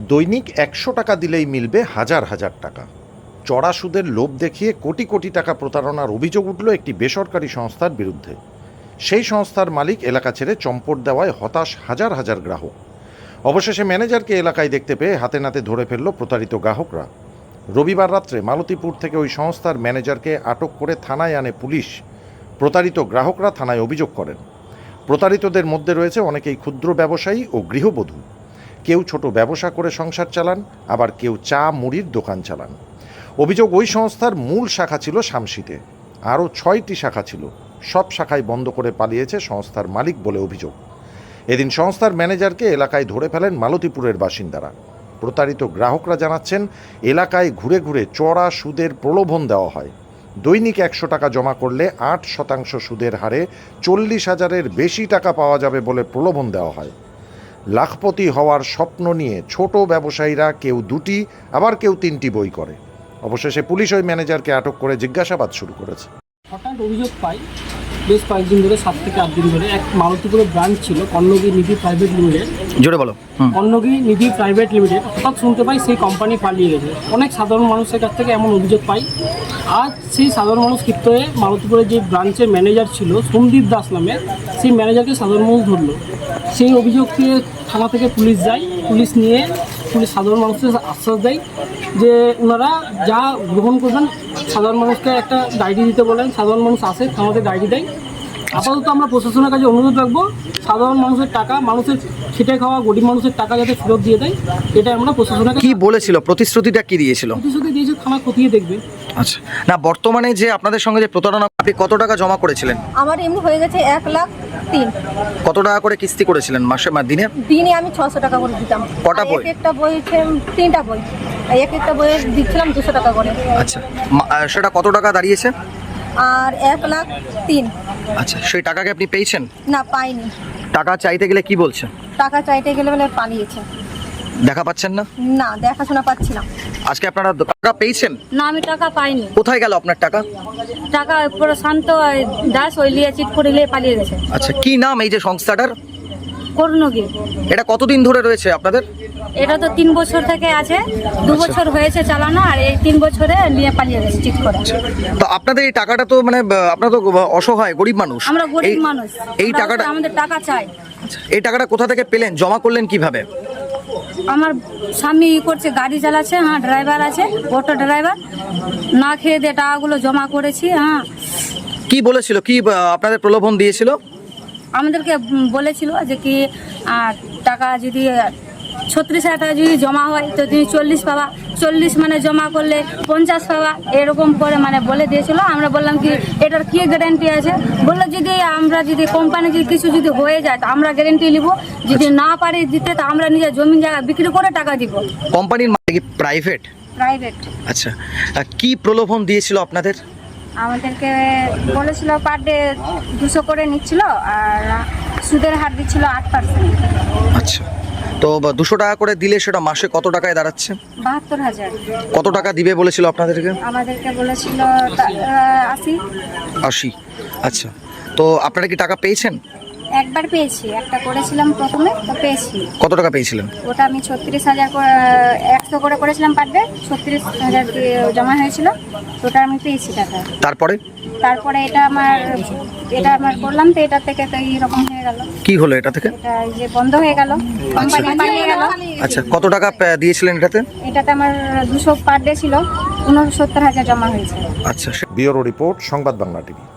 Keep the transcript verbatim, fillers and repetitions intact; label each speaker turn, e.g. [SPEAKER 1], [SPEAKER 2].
[SPEAKER 1] দৈনিক একশো টাকা দিলেই মিলবে হাজার হাজার টাকা। চড়া সুদের লোভ দেখিয়ে কোটি কোটি টাকা প্রতারণার অভিযোগ উঠল একটি বেসরকারি সংস্থার বিরুদ্ধে। সেই সংস্থার মালিক এলাকা ছেড়ে চম্পট দেওয়ায় হতাশ হাজার হাজার গ্রাহক। অবশেষে ম্যানেজারকে এলাকায় দেখতে পেয়ে হাতে নাতে ধরে ফেলল প্রতারিত গ্রাহকরা। রবিবার রাত্রে মালতীপুর থেকে ওই সংস্থার ম্যানেজারকে আটক করে থানায় আনে পুলিশ। প্রতারিত গ্রাহকরা থানায় অভিযোগ করেন। প্রতারিতদের মধ্যে রয়েছে অনেকেই ক্ষুদ্র ব্যবসায়ী ও গৃহবধূ। কেউ ছোট ব্যবসা করে সংসার চালান, আবার কেউ চা মুড়ির দোকান চালান। অভিযোগ, ওই সংস্থার মূল শাখা ছিল শামসিতে, আরও ছয়টি শাখা ছিল। সব শাখায় বন্ধ করে পালিয়েছে সংস্থার মালিক বলে অভিযোগ। এদিন সংস্থার ম্যানেজারকে এলাকায় ধরে ফেলেন মালতীপুরের বাসিন্দারা। প্রতারিত গ্রাহকরা জানাচ্ছেন, এলাকায় ঘুরে ঘুরে চড়া সুদের প্রলোভন দেওয়া হয়। দৈনিক একশো টাকা জমা করলে আট শতাংশ সুদের হারে চল্লিশ হাজারের বেশি টাকা পাওয়া যাবে বলে প্রলোভন দেওয়া হয়। লাখপতি হওয়ার স্বপ্ন নিয়ে ছোট ব্যবসায়ীরা কেউ দুটি, আবার কেউ তিনটি বই করে। অবশেষে পুলিশ ওই ম্যানেজারকে আটক করে জিজ্ঞাসাবাদ শুরু করেছে।
[SPEAKER 2] হঠাৎ অভিযোগ পাই বেশ কয়েকদিন ধরে, সাত থেকে আট দিন ধরে, এক মালতীপুরের ব্রাঞ্চ ছিল কর্ণগিরি নিধি প্রাইভেট লিমিটেড।
[SPEAKER 3] জোরে বলো।
[SPEAKER 2] কর্ণগিরি নিধি প্রাইভেট লিমিটেড, হঠাৎ শুনতে পাই সেই কোম্পানি পালিয়ে গেছে। অনেক সাধারণ মানুষের কাছ থেকে এমন অভিযোগ পাই। আজ সেই সাধারণ মানুষ ক্ষিপ্ত হয়ে মালতীপুরের যে ব্রাঞ্চের ম্যানেজার ছিল সন্দীপ দাস নামে, সেই ম্যানেজারকে সাধারণ মানুষ ধরলো। সেই অভিযোগকে থানা থেকে পুলিশ যায়। পুলিশ নিয়ে পুলিশ সাধারণ মানুষকে আশ্বাস দেয় যে ওনারা যা গ্রহণ করবেন, সাধারণ মানুষকে একটা ডায়েরি দিতে বলেন। সাধারণ মানুষ আসে, থানাতে ডায়েরি দেয়। আপাতত আমরা প্রশাসনের কাছে অনুরোধ রাখবো, সাধারণ মানুষের টাকা, মানুষের খেটে খাওয়া গরিব মানুষের টাকা যাতে ফেরত দিয়ে দেয়, এটা আমরা প্রশাসনের কাছে।
[SPEAKER 3] কি বলেছিল, প্রতিশ্রুতিটা কি দিয়েছিল?
[SPEAKER 2] প্রতিশ্রুতি দিয়েছে থানা খতিয়ে দেখবে।
[SPEAKER 3] আচ্ছা, না বর্তমানে যে আপনাদের সঙ্গে যে প্রতারণা, আপনি কত টাকা জমা করেছিলেন?
[SPEAKER 4] আমার এমনি হয়ে গেছে এক লাখ তিন।
[SPEAKER 3] কত টাকা করে কিস্তি করেছিলেন মাসে বা দিনে?
[SPEAKER 4] দিনে আমি ছশো টাকা করে দিতাম।
[SPEAKER 3] কটা বই?
[SPEAKER 4] এক একটা বই, তিনটা বই, এক একটা বইয়ে দিচ্ছিলাম দুশো টাকা করে।
[SPEAKER 3] আচ্ছা, সেটা কত টাকা দাঁড়িয়েছে?
[SPEAKER 4] আর এক লাখ তিন।
[SPEAKER 3] আচ্ছা, সেই টাকাকে আপনি পেয়েছেন?
[SPEAKER 4] না, পাইনি।
[SPEAKER 3] টাকা চাইতে গেলে কি বলছে?
[SPEAKER 4] টাকা চাইতে গেলে বলে পালিয়েছে।
[SPEAKER 3] দেখা পাচ্ছেন না?
[SPEAKER 4] না, দেখাশোনা পাচ্ছি না।
[SPEAKER 3] আজকে আপনারা টাকা পেয়েছেন?
[SPEAKER 4] না, আমি টাকা পাইনি।
[SPEAKER 3] কোথায় গেল আপনার টাকা?
[SPEAKER 4] টাকা পুরো শান্ত দাস ওই লিয়ে চিট করে নিয়ে পালিয়ে গেছে।
[SPEAKER 3] আচ্ছা, কি নাম এই যে সংস্থাটার?
[SPEAKER 4] কর্ণগিরি।
[SPEAKER 3] এটা কতদিন ধরে রয়েছে আপনাদের?
[SPEAKER 4] এটা তো তিন বছর থেকে আছে, দু বছর হয়েছে চালানো, আর এই তিন বছরে নিয়ে পালিয়ে গেছে চিট করে।
[SPEAKER 3] তো আপনাদের এই টাকাটা তো মানে আপনারা তো অসহায় গরিব মানুষ।
[SPEAKER 4] আমরা গরিব মানুষ,
[SPEAKER 3] এই টাকাটা
[SPEAKER 4] আমাদের টাকা চাই।
[SPEAKER 3] এই টাকাটা কোথা থেকে পেলেন, জমা করলেন কিভাবে?
[SPEAKER 4] আমার স্বামী ই করছে, গাড়ি চালাচ্ছে, হ্যাঁ ড্রাইভার আছে, অটো ড্রাইভার, না খেয়ে দিয়ে টাকাগুলো জমা করেছি। হ্যাঁ।
[SPEAKER 3] কি বলেছিল, কি আপনাদের প্রলোভন দিয়েছিল?
[SPEAKER 4] আমাদেরকে বলেছিল যে কি টাকা যদি ছত্রিশ হাজার টাকা যদি জমা হয় তো তুমি চল্লিশ পাবা, চল্লিশ মানে জমা করলে পঞ্চাশ পাবা, এরকম করে মানে বলে দিয়েছিল। আমরা বললাম কি এটার কি গ্যারেন্টি আছে? বললো যদি আমরা যদি কোম্পানি যদি কিছু যদি হয়ে যায় তো আমরা গ্যারেন্টি নিব, যদি না পারি দিতে তো আমরা নিজের জমি জায়গা বিক্রি করে টাকা দিব।
[SPEAKER 3] কোম্পানির মানে কি প্রাইভেট?
[SPEAKER 4] প্রাইভেট।
[SPEAKER 3] আচ্ছা, কি প্রলোভন দিয়েছিল আপনাদের?
[SPEAKER 4] আমাদেরকে বলেছিল পার ডে দুশো করে নিচ্ছিল, আর সুদের হার দিচ্ছিল আট পার্সেন্ট।
[SPEAKER 3] আচ্ছা, তো দুশো টাকা করে দিলে সেটা মাসে কত টাকায় দাঁড়াচ্ছে?
[SPEAKER 4] বাহাত্তর হাজার।
[SPEAKER 3] কত টাকা দিবে বলেছিল আপনাদেরকে?
[SPEAKER 4] আমাদেরকে বলেছিল আশি।
[SPEAKER 3] আশি। আচ্ছা, তো আপনারা কি টাকা পেয়েছেন?
[SPEAKER 4] একবার পেয়েছি, একটা করেছিলাম প্রথমে, তো পেয়েছি।
[SPEAKER 3] কত টাকা পেয়েছিলেন?
[SPEAKER 4] ওটা আমি ছত্রিশ হাজার একশো করে করেছিলাম পার ডে, ছত্রিশ হাজার জমা হয়েছিল, ওটা আমি পেয়েছি টাকা।
[SPEAKER 3] তারপরে
[SPEAKER 4] তারপরে এটা আমার এটা আমার করলাম, তো এটা থেকে তো এইরকম হয়ে গেল।
[SPEAKER 3] কি হলো এটা থেকে?
[SPEAKER 4] এটা যে বন্ধ হয়ে গেল, কোম্পানি পালিয়ে গেল।
[SPEAKER 3] আচ্ছা, কত টাকা দিয়েছিলেন এটাতে?
[SPEAKER 4] এটাতে আমার দুশো পার ডে ছিল, উনসত্তর হাজার জমা হয়েছে।
[SPEAKER 1] আচ্ছা, ব্যুরো রিপোর্ট, সংবাদ বাংলা টিভি।